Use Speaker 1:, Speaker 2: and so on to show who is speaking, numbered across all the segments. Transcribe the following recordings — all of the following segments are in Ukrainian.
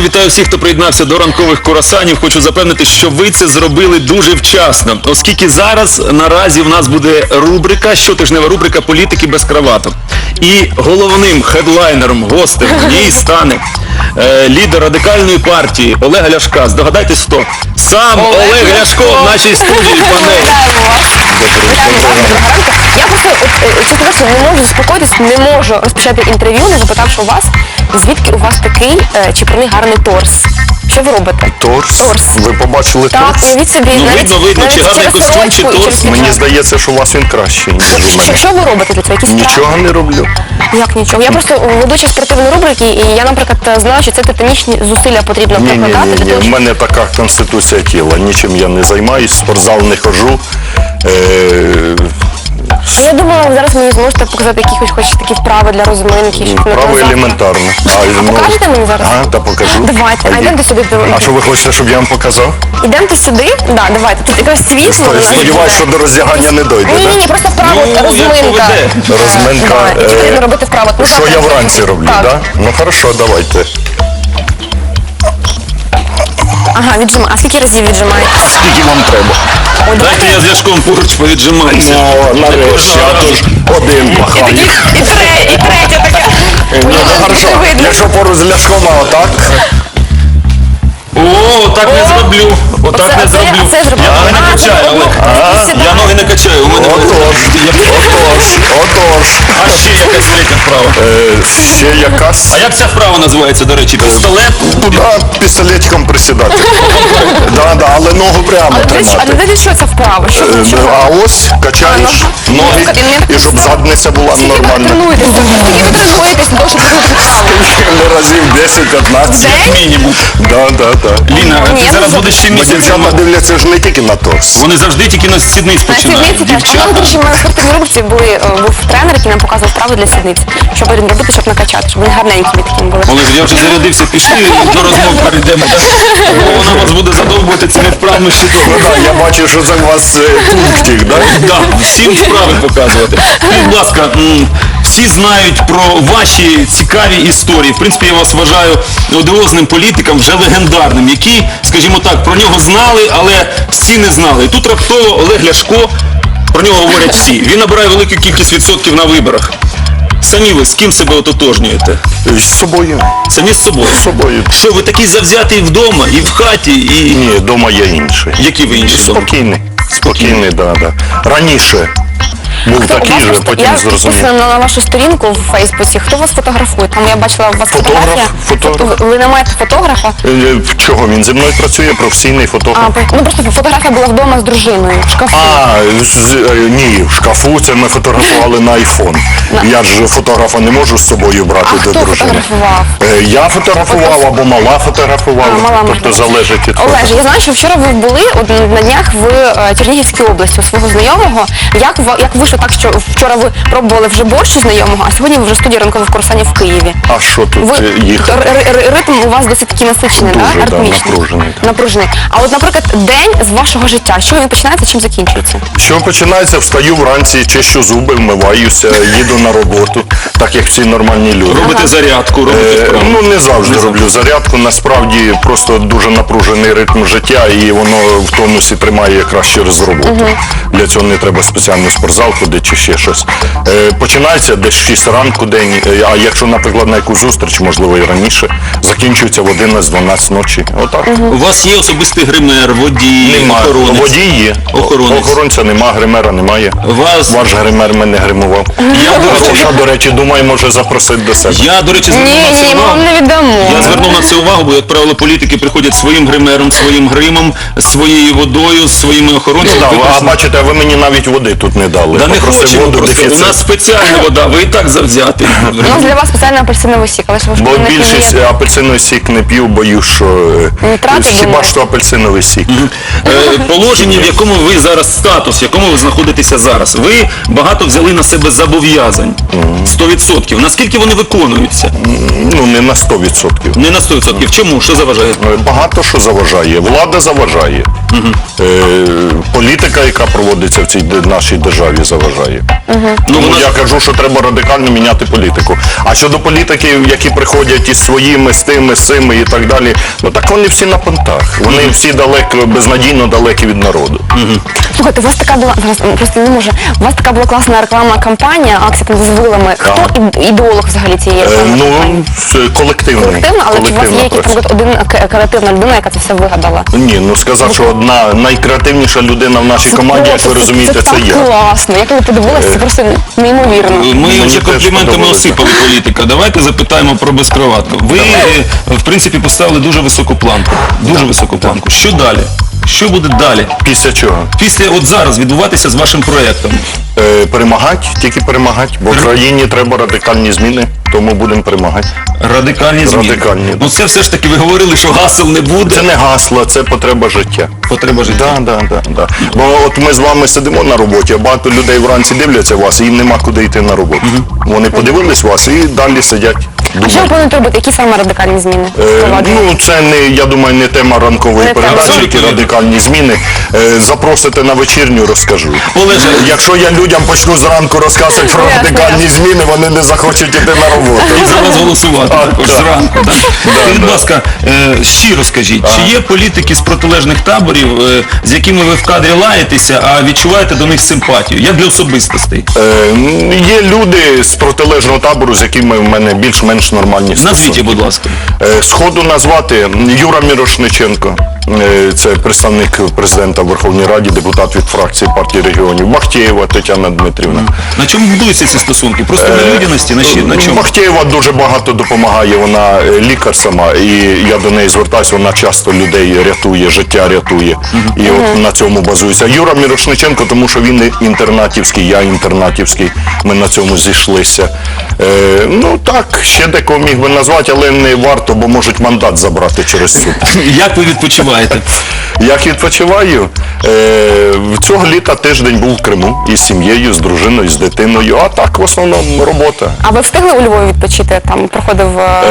Speaker 1: вітаю всіх, хто приєднався до ранкових курасанів. Хочу запевнити, що ви це зробили дуже вчасно, оскільки зараз наразі в нас буде рубрика, щотижнева рубрика «Політики без краваток». І головним хедлайнером, гостем в ній стане лідер радикальної партії Олега Ляшка. Здогадайтесь, хто? Сам Олег Ляшко в нашій студії, панелі.
Speaker 2: Я просто, чесно кажучи, не можу заспокоїтись, не можу розпочати інтерв'ю, не запитавши у вас, звідки у вас такий чіпурний гарний торс. Що ви робите?
Speaker 3: Торс? Ви побачили
Speaker 2: Так,
Speaker 3: торс?
Speaker 2: уявіть собі,
Speaker 1: Ну, видно, чи гарний
Speaker 2: через
Speaker 1: костюм, чи
Speaker 2: сорочку, і
Speaker 1: торс.
Speaker 2: через
Speaker 3: Мені
Speaker 2: піджак.
Speaker 3: здається, що у вас він кращий, ніж у мене.
Speaker 2: Що ви робите для цього? Якісь вправи?
Speaker 3: Нічого не роблю.
Speaker 2: Як нічого? Я просто ведуча спортивної рубрики, і я, наприклад, знала, що це титанічні зусилля потрібно прикладати. для
Speaker 3: Ні,
Speaker 2: того,
Speaker 3: в мене така конституція тіла. Нічим я не займаюсь, в спортзал не ходжу.
Speaker 2: Я думала, зараз мені зможете показати якісь хоч такі вправи для розминки. щоб не
Speaker 3: Право
Speaker 2: завтра.
Speaker 3: елементарно.
Speaker 2: Покажете мені зараз?
Speaker 3: Та покажу.
Speaker 2: Давайте, а йдемте сюди.
Speaker 3: А що ви хочете, щоб я вам показав?
Speaker 2: Ідемте сюди, да, давайте. Тут якраз світло.
Speaker 3: Сподіваюсь, що до роздягання не дойде,
Speaker 2: Ні,
Speaker 3: так?
Speaker 2: просто вправо,
Speaker 1: Ну, як
Speaker 2: розминка.
Speaker 1: поведе.
Speaker 3: Розминка.
Speaker 2: Да, які потрібно робити вправо. Ну,
Speaker 3: Що
Speaker 2: так,
Speaker 3: я
Speaker 2: так,
Speaker 3: вранці роблю,
Speaker 2: так?
Speaker 3: так? Ну хорошо, давайте.
Speaker 2: Ага, віджимаю. А скільки разів віджимаєте?
Speaker 3: Скільки вам треба?
Speaker 2: Ой,
Speaker 1: Дайте я з Ляшком поруч повіджимаюся.
Speaker 3: Ну, нарешті, а то ж один махає.
Speaker 2: І третє таке.
Speaker 3: Ну, хорошо,
Speaker 2: Не видно.
Speaker 3: якщо поруч з Ляшком, а отак.
Speaker 1: О, так не зроблю. Отак не зроблю.
Speaker 2: Це зроблю.
Speaker 1: Я ноги не качаю, Олег. Я ноги не качаю. У мене
Speaker 3: Отож.
Speaker 1: А ще якась третя вправа.
Speaker 3: Ще якась.
Speaker 1: А як ця вправа називається, до речі? Пістолет?
Speaker 3: Туди пістолетиком присідати. Да, але ногу прямо
Speaker 2: А
Speaker 3: тримати.
Speaker 2: для що це вправо? Що це?
Speaker 3: А ось качаєш ноги, і щоб задниця була
Speaker 2: Скільки ви
Speaker 3: нормальна.
Speaker 2: тренуєтесь? Скільки ви тренуєтесь, для того, щоб робити вправо?
Speaker 3: Разів 10-15.
Speaker 2: День?
Speaker 1: Мінімум.
Speaker 3: Да.
Speaker 1: Ліна,
Speaker 2: Ні,
Speaker 1: ти
Speaker 2: я
Speaker 1: зараз
Speaker 2: не
Speaker 1: будеш ще
Speaker 3: Бо
Speaker 1: місяць.
Speaker 3: дівчата дивляться ж не тільки на торс.
Speaker 1: Вони завжди тільки на сідниць
Speaker 2: На
Speaker 1: починають.
Speaker 2: сідниці теж. А у нас, до речі, в мене в спортивній рубриці був тренер, який нам показував вправи для сідниць. Що потрібно робити, щоб накачати, щоб вони гарненькі такими були.
Speaker 1: Олег, я вже зарядився, пішли до розмов перейдемо. Бо вона вас буде задовбувати цими вправами ще
Speaker 3: Ну
Speaker 1: довго.
Speaker 3: так, я бачу, що це у вас пунктик, так?
Speaker 1: Так, всім вправи показувати. Скажіть, будь ласка, всі знають про ваші цікаві історії. В принципі, я вас вважаю одіозним політиком, вже легендарним, які, скажімо так, про нього знали, але всі не знали. І тут раптово Олег Ляшко, про нього говорять всі. Він набирає велику кількість відсотків на виборах. Самі ви з ким себе ототожнюєте?
Speaker 3: З собою.
Speaker 1: Самі з собою?
Speaker 3: З собою.
Speaker 1: Що, ви такий завзятий вдома, і в хаті, і...
Speaker 3: Ні, вдома я інший.
Speaker 1: Які ви інші?
Speaker 3: Спокійний, да. Раніше був такий же, потім
Speaker 2: Я
Speaker 3: зрозумів.
Speaker 2: підписана на вашу сторінку в Фейсбуці. Хто вас фотографує? Там я бачила у вас фотографія.
Speaker 3: Фотограф.
Speaker 2: Ви не маєте фотографа?
Speaker 3: Чого? Він зі мною працює, професійний фотограф.
Speaker 2: Ну просто фотографія була вдома з дружиною в шкафу.
Speaker 3: Ні, в шкафу це ми фотографували на айфон. Я ж фотографа не можу з собою брати
Speaker 2: А
Speaker 3: до
Speaker 2: хто
Speaker 3: дружини.
Speaker 2: фотографував?
Speaker 3: Я фотографував або мала фотографувала.
Speaker 2: Мала
Speaker 3: Тобто
Speaker 2: можливо.
Speaker 3: залежить від
Speaker 2: Олеже, я знаю, що вчора ви були на днях в Чернігівській області у свого знайомого. Як вийшло так, що вчора ви пробували вже борщ у знайомого, а сьогодні ви вже в студії ранкових курсанів в Києві?
Speaker 3: А що тут їхати?
Speaker 2: Ритм у вас досить такий насичений,
Speaker 3: Дуже,
Speaker 2: да?
Speaker 3: да,
Speaker 2: Ритмічний.
Speaker 3: напружений.
Speaker 2: Напружений. А от, наприклад, день з вашого життя, що він починається, чим закінчується?
Speaker 3: Що починається, встаю вранці, чищу зуби, вмиваюся, їду на роботу, так як всі нормальні люди.
Speaker 1: Робите зарядку, робите вправи?
Speaker 3: Ну, не завжди роблю зарядку, насправді просто дуже напружений ритм життя і воно в тонусі тримає якраз через роботу. Для цього не треба спеціально спортзал ходити чи ще щось. Починається десь 6 ранку день, а якщо, наприклад, на якусь зустріч, можливо і раніше, закінчується в 11-12 ночі. Отак.
Speaker 1: У вас є особистий гример, водій,
Speaker 3: Немає.
Speaker 1: охоронець?
Speaker 3: Водій є.
Speaker 1: Охоронець.
Speaker 3: Охоронця нема, гримера немає. Ваш гример мене гримував. Я, до речі, думаю, може запросити до себе.
Speaker 1: Я, до речі, звернув на це
Speaker 2: Ні, ми
Speaker 1: увагу.
Speaker 2: вам не віддамо.
Speaker 1: Я звернув на це увагу, бо, як правило, політики приходять своїм гримером, своїм гримом, своєю водою, своїми охоронцями.
Speaker 3: А бачите, ви мені навіть води тут не дали.
Speaker 1: Да не
Speaker 3: Попросив
Speaker 1: хочемо
Speaker 3: воду,
Speaker 1: просто. У
Speaker 3: дефіцит.
Speaker 1: нас спеціальна вода, ви і так завзятий.
Speaker 2: У нас для вас спеціальний апельсиновий сік, але ж ви ж
Speaker 3: Бо
Speaker 2: не
Speaker 3: більшість
Speaker 2: п'єте.
Speaker 3: апельсиновий сік не п'ю, боюсь, що
Speaker 2: Нітрати,
Speaker 3: хіба
Speaker 2: думаєте?
Speaker 3: що апельсиновий сік.
Speaker 1: Положення, в якому ви зараз, статус, в якому ви знаходитеся зараз. Ви багато взяли на себе зобов'язань. 100%. 100%. Наскільки вони виконуються?
Speaker 3: Ну, не на 100%.
Speaker 1: Не на 100%. Чому? Що заважає?
Speaker 3: Багато що заважає. Влада заважає. Політика, яка проводиться в цій нашій державі, заважає. Тому
Speaker 1: вона-
Speaker 3: я кажу, що треба радикально міняти політику. А щодо політиків, які приходять із своїми, з тими, з цими і так далі, ну так вони всі на понтах. Вони всі безнадійно далекі від народу.
Speaker 2: Слухайте, у вас така була, зараз просто не можу, у вас така була класна рекламна кампанія, акція там з вилами. Хто ідеолог взагалі цієї рекламної кампанії?
Speaker 3: Це колективно.
Speaker 2: Колективно, але чи у вас є якийсь там один креативна людина, яка це все вигадала?
Speaker 3: Ні, ну сказав, що одна найкреативніша людина в нашій команді, як ви розумієте, це
Speaker 2: так
Speaker 3: я.
Speaker 2: класно. Як ви подивилися, це просто неймовірно.
Speaker 1: Ми
Speaker 3: Мені
Speaker 1: вже
Speaker 3: теж
Speaker 1: компліментами
Speaker 3: подобається.
Speaker 1: осипали політика. Давайте запитаємо про безкроватку. Ви, в принципі, поставили дуже високу планку. Дуже високу планку. Що далі? Що буде далі?
Speaker 3: Після чого?
Speaker 1: Після от зараз відбуватися з вашим проєктом.
Speaker 3: Перемагати, тільки перемагати, бо в країні треба радикальні зміни, тому будемо перемагати.
Speaker 1: Радикальні зміни.
Speaker 3: Радикальні.
Speaker 1: Ну це все ж таки ви говорили, що гасел не буде.
Speaker 3: Це не гасло, це потреба життя.
Speaker 1: Потреба життя.
Speaker 3: Да. Бо от ми з вами сидимо на роботі, а багато людей вранці дивляться вас, і їм нема куди йти на роботу. Вони подивились вас і далі сидять.
Speaker 2: А що ви
Speaker 3: думають.
Speaker 2: плануєте робити? Які саме радикальні зміни?
Speaker 3: Ну, це не, я думаю, не тема ранкової
Speaker 2: Не тема.
Speaker 3: передачі, які
Speaker 1: Абсолютно.
Speaker 3: радикальні зміни. Запросите на вечірню, розкажу.
Speaker 1: Олеже,
Speaker 3: Якщо я людям почну зранку розказувати про
Speaker 2: Ясно,
Speaker 3: радикальні зміни, вони не захочуть іти на роботу.
Speaker 1: і за вас голосувати також
Speaker 3: так.
Speaker 1: зранку. Так. Скажіть, будь
Speaker 3: да.
Speaker 1: ласка, щиро скажіть, чи є політики з протилежних таборів, з якими ви в кадрі лаєтеся, а відчуваєте до них симпатію? Як для особистостей?
Speaker 3: Є люди з протилежного табору, з якими в мене більш-менш нормальні стосунки.
Speaker 1: Назвіть, будь ласка.
Speaker 3: Сходу назвати Юра Мірошниченко, це представник президента в Верховній Раді, депутат від фракції партії регіонів. Бахтєєва Тетяна Дмитрівна.
Speaker 1: На чому будуються ці стосунки? Просто на людяності? На чому?
Speaker 3: Бахтєєва дуже багато допомагає, вона лікар сама, і я до неї звертаюся, вона часто людей рятує, життя рятує. І от на цьому базується. Юра Мірошниченко, тому що він інтернатівський, я інтернатівський, ми на цьому зійшлися. Ну так, ще декого міг би назвати, але не варто, бо можуть мандат забрати через суд.
Speaker 1: Як ви відпочиваєте?
Speaker 3: Як відпочиваю? Цього літа тиждень був в Криму із сім'єю, з дружиною, з дитиною, а так в основному робота.
Speaker 2: А ви встигли у Львові відпочити? Там проходив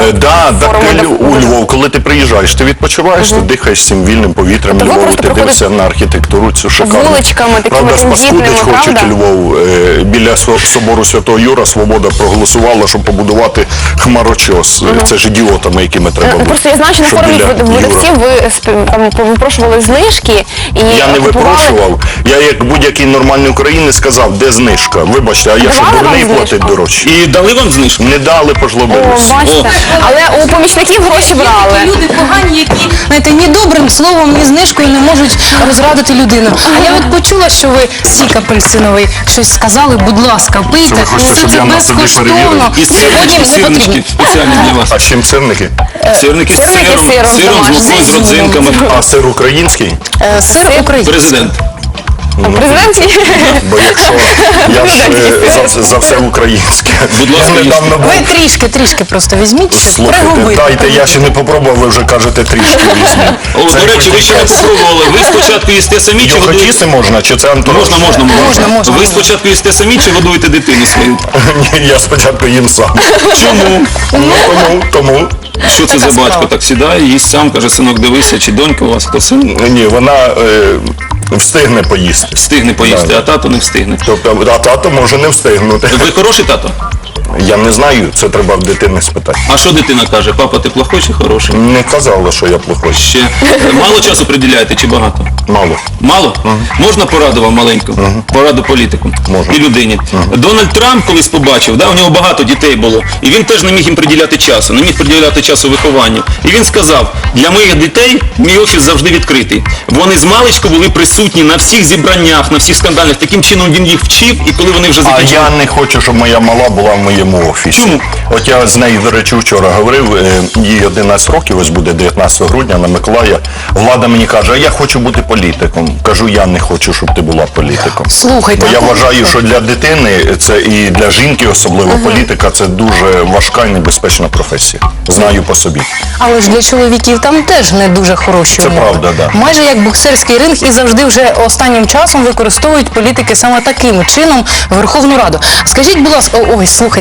Speaker 3: У Львов, коли ти приїжджаєш, ти відпочиваєш, ти дихаєш цим вільним повітрям
Speaker 2: Тобто ви
Speaker 3: Львову,
Speaker 2: просто
Speaker 3: ти дивишся
Speaker 2: проходите
Speaker 3: на архітектуру цю шикарну.
Speaker 2: вуличками такими
Speaker 3: Правда, спаскудить
Speaker 2: тендітними,
Speaker 3: хочуть
Speaker 2: правда?
Speaker 3: Львов. Біля собору Святого Юра Свобода проголосувала, щоб побудувати хмарочос. Це ж ідіотами, якими треба бути.
Speaker 2: Просто я знаю, що на
Speaker 3: щоб
Speaker 2: форумі
Speaker 3: біля Юра.
Speaker 2: видавців ви там випрошували знижки і
Speaker 3: Я не
Speaker 2: купували-
Speaker 3: випрошував. Я як будь-який нормальний українець сказав, де знижка. Вибачте, а я що,
Speaker 2: Давали вам
Speaker 3: дурний
Speaker 2: знижку?
Speaker 3: платить дорожче?
Speaker 1: І дали вам знижку?
Speaker 3: Не дали,
Speaker 2: О,
Speaker 3: пожлобились.
Speaker 2: бачите. Але у помічників гроші брали.
Speaker 4: Є люди погані, які, знаєте, ні добрим словом, ні знижкою не можуть розрадити людину. А я от почула, що ви сік апельсиновий щось сказали, будь ласка, пийте.
Speaker 3: Це ви хочете, щоб
Speaker 4: Це
Speaker 3: я на собі
Speaker 4: безкоштовно.
Speaker 3: перевірив?
Speaker 1: І
Speaker 4: Сьогодні
Speaker 1: сирнички
Speaker 4: не потрібно.
Speaker 1: спеціальні для вас.
Speaker 3: А з чим сирники?
Speaker 1: Сирники з
Speaker 2: Сирники з
Speaker 1: сиром,
Speaker 2: сиром
Speaker 1: з
Speaker 2: домашнім.
Speaker 1: мукою, з родзинками.
Speaker 3: А сир український?
Speaker 4: Сир український.
Speaker 1: Президент.
Speaker 2: Президент
Speaker 3: Бо якщо я ж за все українське.
Speaker 1: Будь ласка,
Speaker 3: Я недавно був.
Speaker 4: Ви трішки просто візьміть, щоб
Speaker 3: Слухайте,
Speaker 4: пригубити.
Speaker 3: дайте, я ще не попробував, ви вже кажете трішки візьму.
Speaker 1: О,
Speaker 3: Це
Speaker 1: до речі, ви ще не
Speaker 3: якийсь
Speaker 1: попробували. Ви спочатку їсте самі чи
Speaker 3: Його
Speaker 1: годуєте?
Speaker 3: їсти можна, чи це антураж?
Speaker 1: Можна.
Speaker 4: Можна.
Speaker 1: Ви спочатку їсте самі чи годуєте дитину свою?
Speaker 3: Ні, я спочатку їм сам.
Speaker 1: Чому?
Speaker 3: Ну, тому.
Speaker 1: Що це за
Speaker 4: Така
Speaker 1: батько?
Speaker 4: справа.
Speaker 1: Так сідає, їсть сам, каже, синок, дивися, чи донька у вас, хто син?
Speaker 3: Ні, вона встигне поїсти.
Speaker 1: Встигне поїсти,
Speaker 3: Да.
Speaker 1: а тато не встигне.
Speaker 3: Тобто, а тато може не встигнути.
Speaker 1: Ви хороший тато?
Speaker 3: Я не знаю, це треба в дитини спитати.
Speaker 1: А що дитина каже? Папа, ти плохой чи хороший?
Speaker 3: Не казала, що я плохой.
Speaker 1: Ще мало часу приділяєте чи багато?
Speaker 3: Мало.
Speaker 1: Мало? Можна пораду вам маленьку? Пораду політику
Speaker 3: Можна.
Speaker 1: і людині. Дональд Трамп колись побачив, да, у нього багато дітей було, і він теж не міг їм приділяти часу, не міг приділяти часу вихованню. І він сказав, для моїх дітей мій офіс завжди відкритий. Вони з маличку були присутні на всіх зібраннях, на всіх скандалях. Таким чином він їх вчив, і коли вони вже
Speaker 3: А
Speaker 1: закінчили...
Speaker 3: я не хочу, щоб моя мала була в моєму офісі.
Speaker 1: Чому?
Speaker 3: От я з нею, до речі, вчора говорив, їй 11 років, ось буде 19 грудня на Миколая. Влада мені каже, а я хочу бути політиком. Кажу, я не хочу, щоб ти була політиком.
Speaker 4: Слухайте,
Speaker 3: Бо я
Speaker 4: а
Speaker 3: вважаю, що для дитини, це і для жінки особливо, політика це дуже важка і небезпечна професія. Знаю по собі.
Speaker 4: але ж для чоловіків там теж не дуже хороші
Speaker 3: Це
Speaker 4: умови.
Speaker 3: правда, да.
Speaker 4: Майже як боксерський ринг, і завжди вже останнім часом використовують політики саме таким чином Верховну Раду. Скажіть, будь ласка, ой, слухайте,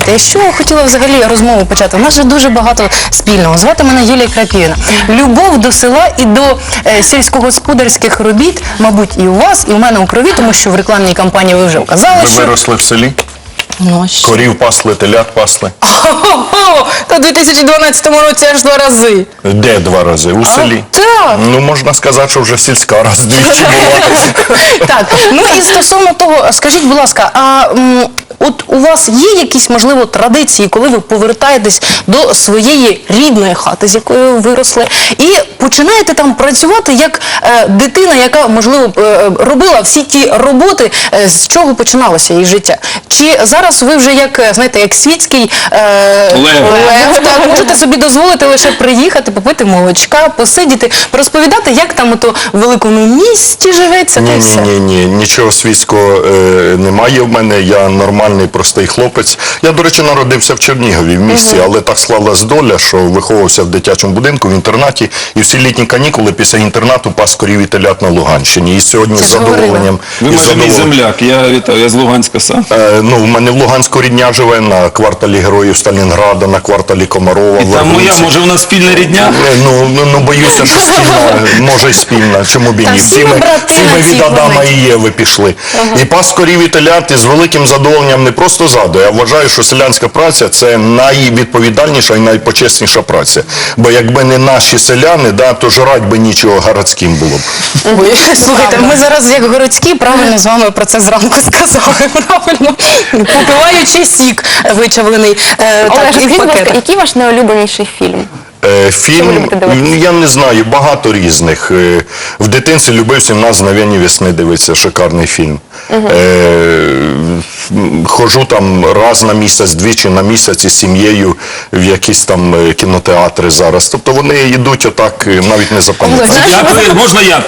Speaker 4: знаєте, що я хотіла взагалі розмову почати? У нас же дуже багато спільного. Звати мене Юлія Крапівна. Любов до села і до сільськогосподарських робіт, мабуть, і у вас, і у мене у крові, тому що в рекламній кампанії ви вже вказали,
Speaker 3: Ви
Speaker 4: що...
Speaker 3: виросли в селі?
Speaker 4: Ну, а що?
Speaker 3: Корів пасли, телят пасли?
Speaker 4: Хо-хо! Та в 2012 році аж 2 рази.
Speaker 3: Де 2 рази? У селі?
Speaker 4: Так.
Speaker 3: Ну, можна сказати, що вже сільська раз двічі була.
Speaker 4: Так, ну і стосовно того, скажіть, будь ласка, от у вас є якісь, можливо, традиції, коли ви повертаєтесь до своєї рідної хати, з якої ви виросли, і починаєте там працювати як дитина, яка, можливо, робила всі ті роботи, з чого починалося її життя? Чи зараз ви вже як, знаєте, як світський лев, так, можете собі дозволити лише приїхати, попити молочка, посидіти, розповідати, як там ото в великому місті живеться, та й все?
Speaker 3: Ні, нічого світського немає в мене, я нормальний, простий хлопець. Я, до речі, народився в Чернігові, в місті, але так склалась доля, що виховувався в дитячому будинку, в інтернаті, і всі літні канікули після інтернату пас корів і телят на Луганщині. І сьогодні з задоволенням...
Speaker 1: Ви майже мій земляк, я вітаю, я з Луганська сам.
Speaker 3: Ну, в мене в Луганську рідня живе на кварталі Героїв Сталінграда, на кварталі Комарова.
Speaker 1: І там моя, може, у нас спільна рідня?
Speaker 3: Ну, боюся, що спільна, може й спільна, чому б і
Speaker 4: Та
Speaker 3: ні.
Speaker 4: всі ми брати
Speaker 3: Всі
Speaker 4: на
Speaker 3: ми
Speaker 4: цій
Speaker 3: від Адама
Speaker 4: планеті.
Speaker 3: і Єви пішли. І пас корів і телят із великим задоволенням не просто згадую, я вважаю, що селянська праця – це найвідповідальніша і найпочесніша праця. Бо якби не наші селяни, то жрать би нічого городським було б.
Speaker 4: Ой, слухайте, ми зараз як городські правильно з вами про це зранку сказали, правильно, попиваючи сік вичавлений,
Speaker 2: Олег,
Speaker 4: так, і
Speaker 2: скажіть,
Speaker 4: в
Speaker 2: будь ласка,
Speaker 4: пакетах.
Speaker 2: який ваш найулюбленіший фільм? Що ви
Speaker 3: Фільм,
Speaker 2: любите дивитися?
Speaker 3: я не знаю, багато різних. В дитинстві любив «17 мгновений весни» дивитися, шикарний фільм. Хожу там раз на місяць, двічі на місяць із сім'єю в якісь там кінотеатри зараз. Тобто вони йдуть отак, навіть не запам'ятають.
Speaker 1: Можна я?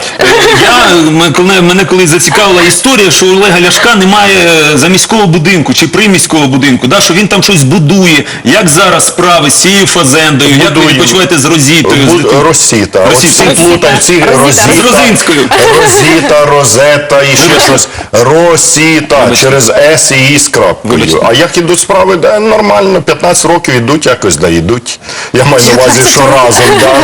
Speaker 1: Мене колись зацікавила історія, що у Олега Ляшка немає заміського будинку чи приміського будинку, що він там щось будує. Як зараз справи з цією фазендою? Як ви відпочиваєте з Розітою?
Speaker 3: Росіта. От всі плутають, ці
Speaker 1: З Розинською.
Speaker 3: Розіта, Розета і ще щось. Росіта, через С і І з крапкою.
Speaker 1: Вибачте.
Speaker 3: А як ідуть справи? Нормально, 15 років ідуть, якось йдуть. Я маю на увазі, що разом.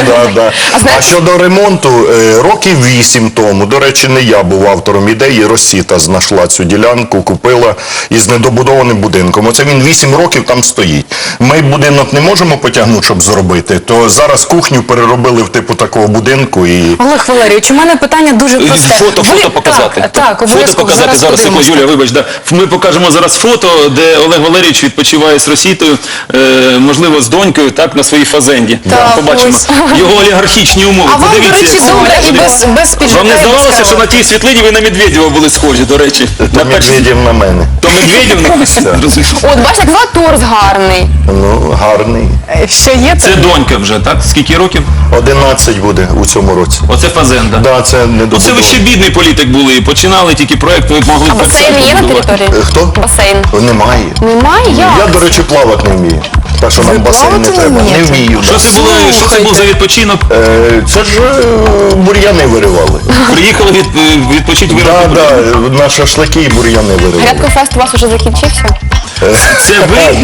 Speaker 3: А щодо ремонту, років 8 тому, до речі, не я був автором ідеї, Росіта знайшла цю ділянку, купила із недобудованим будинком. Оце він 8 років там стоїть. Ми будинок не можемо потягнути, щоб зробити, то зараз кухню переробили в типу такого будинку і...
Speaker 4: Олег Валерійович, у мене питання дуже просте.
Speaker 1: Фото показати.
Speaker 4: Так,
Speaker 1: Фото
Speaker 4: обов'язково.
Speaker 1: показати зараз, секунду,
Speaker 4: подивимося.
Speaker 1: Юля, вибач, ми покажемо зараз фото, де Олег Валерійович відпочиває з Росітою, можливо, з донькою, так, на своїй фазенді.
Speaker 4: Так,
Speaker 1: Побачимо
Speaker 4: ось.
Speaker 1: його олігархічні умови.
Speaker 4: А вам, до
Speaker 1: Подивіться,
Speaker 4: речі,
Speaker 1: як
Speaker 4: добре і
Speaker 1: подивіться.
Speaker 4: без піджака.
Speaker 1: Вам не
Speaker 4: і без
Speaker 1: здавалося, що на
Speaker 4: кровати?
Speaker 1: тій світлині ви на Медведєва були схожі, до речі?
Speaker 3: То Медведєв на мене.
Speaker 1: То Медведєв? Зрозуміло.
Speaker 2: От, бачите, як торс гарний.
Speaker 3: Ну, гарний.
Speaker 4: Що є
Speaker 1: Це донька вже, так? Скільки років?
Speaker 3: 11 буде у цьому році.
Speaker 1: Оце фазенда.
Speaker 3: Да, це не
Speaker 1: Ну це ви ще бідний політик були, починали тільки проєкт, ви могли
Speaker 2: А басейн є на території?
Speaker 3: Хто?
Speaker 2: Басейн.
Speaker 3: Немає.
Speaker 2: Немає? Як?
Speaker 3: Я, до речі, плавати не вмію. Так що нам басейн не
Speaker 4: плавати не
Speaker 3: треба. Не
Speaker 4: вмієте?
Speaker 3: вмію.
Speaker 1: Що
Speaker 3: да.
Speaker 1: це був за відпочинок?
Speaker 3: Це ж бур'яни виривали.
Speaker 1: Приїхали відпочити
Speaker 3: Так,
Speaker 1: виробити.
Speaker 3: так, на шашлики і бур'яни виривали.
Speaker 2: Грядкофест у вас уже закінчився?
Speaker 1: Це ви?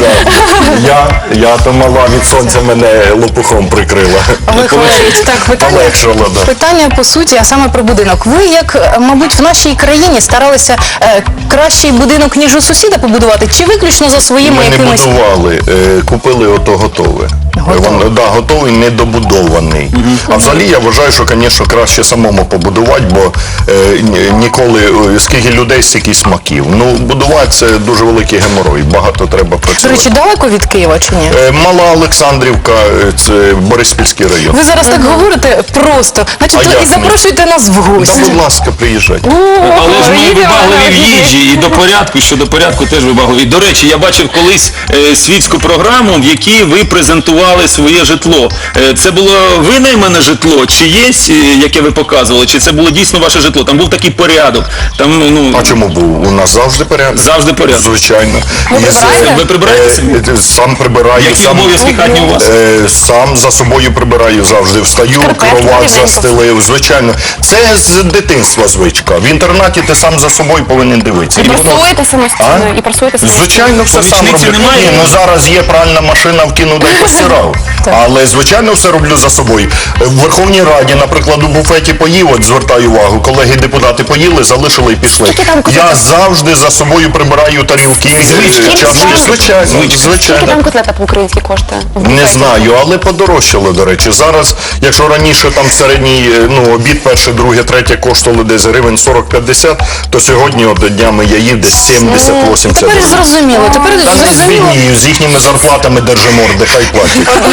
Speaker 3: Я то мала від сонця мене лопухом прикрила.
Speaker 4: Олег Валерійович, так,
Speaker 3: Полегшало, да.
Speaker 4: питання по суті, а саме про будинок. Ви, як, мабуть, в нашій країні старалися кращий будинок, ніж у сусіда побудувати, чи виключно за своїми
Speaker 3: Ми не
Speaker 4: якимись...
Speaker 3: будували, купили ото готове.
Speaker 4: Готове.
Speaker 3: Готовий, недобудований. А взагалі я вважаю, що, звісно, краще самому побудувати, бо ніколи, скільки людей, стільки смаків. Ну, будувати це дуже великий геморой, багато треба
Speaker 4: До
Speaker 3: працювати.
Speaker 4: речі, далеко від Києва чи ні?
Speaker 3: Мала Олександрівка, це Бориспільський район.
Speaker 4: Ви зараз так говорите просто, значить,
Speaker 3: А
Speaker 4: то
Speaker 3: як
Speaker 4: і
Speaker 3: ні?
Speaker 4: запрошуйте нас в
Speaker 3: Да,
Speaker 4: гості.
Speaker 3: будь ласка, приїжджайте.
Speaker 1: Але ж ми
Speaker 4: їдемо
Speaker 1: вибагливі в
Speaker 4: на
Speaker 1: їжі і до порядку, щодо порядку теж вибагливі. До речі, я бачив колись світську програму, в якій ви презентували своє житло. Це було винаймане житло, чи є, яке ви показували, чи це було дійсно ваше житло? Там був такий порядок. Там,
Speaker 3: А чому був? У нас завжди порядок.
Speaker 1: Завжди порядок.
Speaker 3: Звичайно.
Speaker 2: Ви прибираєте?
Speaker 1: Ви прибираєте собі?
Speaker 3: Сам прибираю.
Speaker 1: Які
Speaker 3: сам,
Speaker 1: обов'язки хатні у вас?
Speaker 3: Сам за собою прибираю завжди. Встаю,
Speaker 2: Шкарпетки
Speaker 3: кровать
Speaker 2: рівненько.
Speaker 3: застелив. Звичайно. Це з дитинства звичка. В інтернаті ти сам за собою повинен дивитися.
Speaker 2: І прасуєте самостійно,
Speaker 3: А?
Speaker 2: і прасуєте самостійно.
Speaker 3: Звичайно, все сам
Speaker 1: Помічниці
Speaker 3: роблю.
Speaker 1: немає?
Speaker 3: Ні, ну зараз є пральна машина, вкинув да й постирав. Але, звичайно, все роблю за собою. В Верховній Раді, наприклад, у буфеті поїв, от звертаю увагу, колеги-депутати поїли, залишили і пішли.
Speaker 2: Скільки там котлет?
Speaker 3: Я завжди за собою прибираю тарілки, чашки. Звичайно,
Speaker 2: Скільки
Speaker 3: звичайно.
Speaker 2: там котлета по-українськи коштує? в
Speaker 3: Не
Speaker 2: буфеті?
Speaker 3: знаю, але подорожчало, до речі. Зараз, якщо раніше там середній обід, перше, друге, третє коштувало десь гривень 40-50, то сьогодні от днями я їв десь 70-80
Speaker 4: Тепер
Speaker 3: гривень.
Speaker 4: зрозуміло. Тепер
Speaker 3: Та не
Speaker 4: зрозуміло.
Speaker 3: звіднію, з їхніми зарплатами держиморди, хай платять.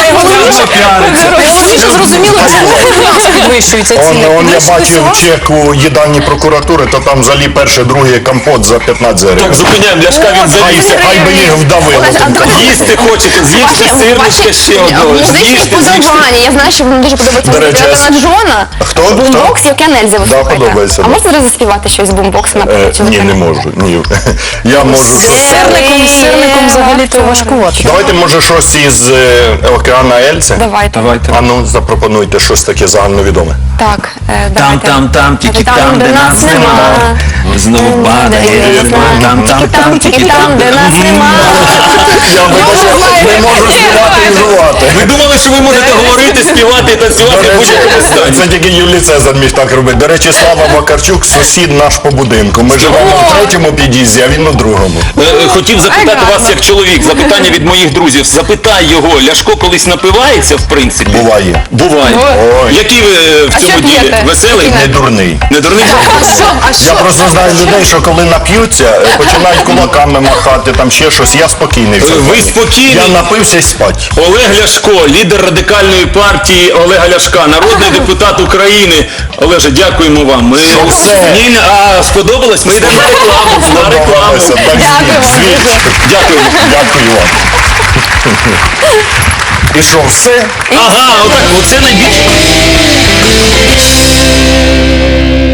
Speaker 4: Найголовніше зрозуміло, чому у нас підвищуються ціни.
Speaker 3: Он я
Speaker 4: Підвищуються
Speaker 3: бачив
Speaker 4: у вас?
Speaker 3: чек у їдальні прокуратури, то там взагалі перше, друге компот за 15
Speaker 1: Так,
Speaker 3: гривень.
Speaker 1: зупиняємо, Ляшка він завівся.
Speaker 3: Хай би їх вдавило.
Speaker 2: Олеже, а
Speaker 3: тим
Speaker 2: давайте-
Speaker 3: компотом.
Speaker 1: Їсти хочете, з'їжте сирничка ще одного.
Speaker 2: Музичні
Speaker 1: З'їжте,
Speaker 2: вподобання. Я знаю, що вам дуже подобається
Speaker 3: До речі,
Speaker 2: музика Елтона Джона.
Speaker 3: Хто?
Speaker 2: Бумбокс, як я Нельзя ви
Speaker 3: Да,
Speaker 2: слухаєте.
Speaker 3: подобається,
Speaker 2: А
Speaker 3: да.
Speaker 2: можете зараз заспівати щось з бумбоксу, наприклад?
Speaker 3: Ні, не можу. Ні. Я можу щось.
Speaker 4: Сирником взагалі-то важкувати.
Speaker 3: Давайте, може, щось із океана Ельце?
Speaker 2: Давайте.
Speaker 3: А ну, запропонуйте щось таке загальновідоме.
Speaker 2: Так,
Speaker 1: Там,
Speaker 2: давайте.
Speaker 1: там, тільки там, де нас нема. Знову падає ритм. Там,
Speaker 2: тільки там, де нас нема.
Speaker 3: Я не можу співати і жувати.
Speaker 1: Ви думали, що ви можете говорити, співати і танцювати в будь-якому стані?
Speaker 3: Це тільки Юлій Цезар міг так робити. До речі, Слава Вакарчук, сусід наш по будинку. Ми живемо в третьому під'їзді, а він у другому.
Speaker 1: Хотів запитати вас як чоловік, запитання від моїх друзів. Запитай його, Ляшко колись напивається, в принципі?
Speaker 3: Буває.
Speaker 1: Буває.
Speaker 3: Ой.
Speaker 1: Який ви в
Speaker 2: А
Speaker 1: цьому
Speaker 2: що
Speaker 1: ділі?
Speaker 2: п'єте?
Speaker 1: Веселий?
Speaker 3: Не дурний.
Speaker 1: Не дурний?
Speaker 3: Я просто знаю людей, що коли нап'ються, починають кулаками махати, там ще щось, я спокійний. в цьому
Speaker 1: Ви
Speaker 3: плані.
Speaker 1: спокійний?
Speaker 3: Я напився і спать.
Speaker 1: Олег Ляшко, лідер радикальної партії Олега Ляшка, народний депутат України. Олеже, дякуємо вам. Ми...
Speaker 3: Що все?
Speaker 1: Ні, а сподобалось? Ми йдемо на рекламу. На рекламу.
Speaker 3: Сподобалося. Так,
Speaker 2: Дякую вам
Speaker 3: звідси.
Speaker 2: дуже.
Speaker 1: Дякую.
Speaker 3: Дякую вам. І що, все?
Speaker 1: Ага, отак, оце найбільше.